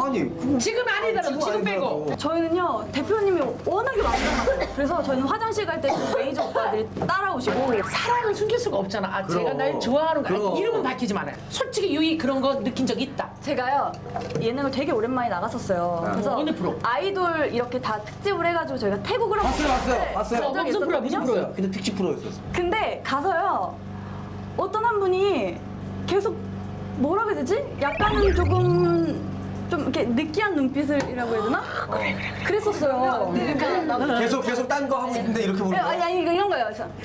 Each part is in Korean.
아니 지금 아니더라도 지금 빼고. 저희는요 대표님이 워낙에 많잖아요. 그래서 저희는 화장실 갈 때 매니저 오빠들이 따라오시고 사랑을 숨길 수가 없잖아. 아, 제가 날 좋아하는 거. 그럼. 아니, 이름은 밝히지 말아요. 솔직히 유이 그런 거 느낀 적 있다. 제가요 예능을 되게 오랜만에 나갔었어요. 그래서 어느 프로? 아이돌 이렇게 다 특집을 해가지고 저희가 태국을 한번 봤어요. 간 적이 무슨 프로야? 무슨 있었거든요. 프로야? 근데 특집 프로였었어. 근데 가서요 어떤 한 분이 계속 뭐라 그래야 되지? 약간은 조금 좀 이렇게 느끼한 눈빛을이라고 해야 되나? 그랬었어요. 계속 딴 거 하고 있는데 이렇게 보는 거야? 아니 이런 거예요.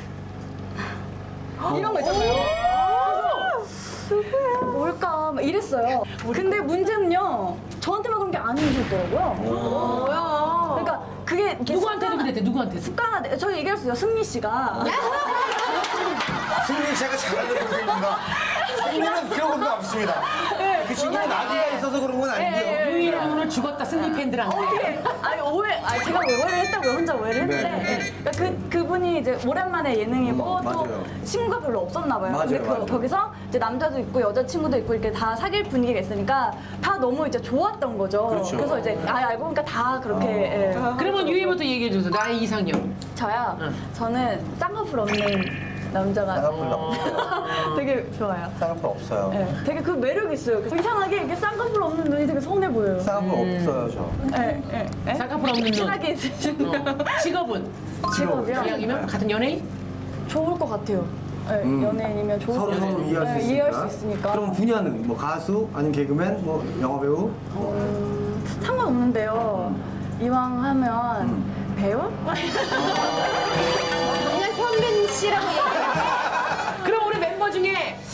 이런 거 있잖아요. 누구야? 뭘까? 막 이랬어요. 근데 문제는요. 저한테만 그런 게 아니셨더라고요. 뭐야? 그러니까 그게 이렇게 누구한테는 그랬대, 누구한테? 습관화. 저희 얘기할 수 있어요. 승리 씨가. 승리 제가 잘하는 동생인가? 승리는 그런 건 없습니다. 그 친구는 나이가 있어서 그런 건 아니고요. 유이랑 오늘 죽었다, 승리 팬들한테. 어떻게? 아니 제가 오해를 했다고요. 혼자 오해를 했는데. 네. 그러니까 그분이 이제 오랜만에 예능이고 또 맞아요. 친구가 별로 없었나 봐요. 맞아요, 근데 맞아요. 거기서 이제 남자도 있고 여자 친구도 있고 이렇게 다 사귈 분위기가 있으니까 다 너무 이제 좋았던 거죠. 그렇죠. 래서 이제 알고 보니까 다 그렇게. 예. 그러면 유이부터 얘기해줘서 나의 이상형. 저요. 응. 저는 쌍꺼풀 없는 남자가 쌍꺼풀 되게 좋아요. 쌍꺼풀 없어요. 예, 되게 그 매력이 있어요. 이상하게 이렇게 쌍꺼풀 없는 눈이 되게 선해 보여요. 쌍꺼풀 없어요 저. 예. 쌍꺼풀 없는 눈. 친하게 있으신 직업은? 직업이요? 이왕이면 같은 연예인? 좋을 것 같아요. 예, 연예인이면 좋을 것 같아요. 서로 이해할 수 예, 있으니까. 이해할 수 있으니까. 그럼 분야는 뭐 가수 아니면 개그맨 뭐 영화 배우? 상관없는데요. 이왕 하면 배우? 그냥 현빈 씨라고 얘기해. 그럼 우리 멤버 중에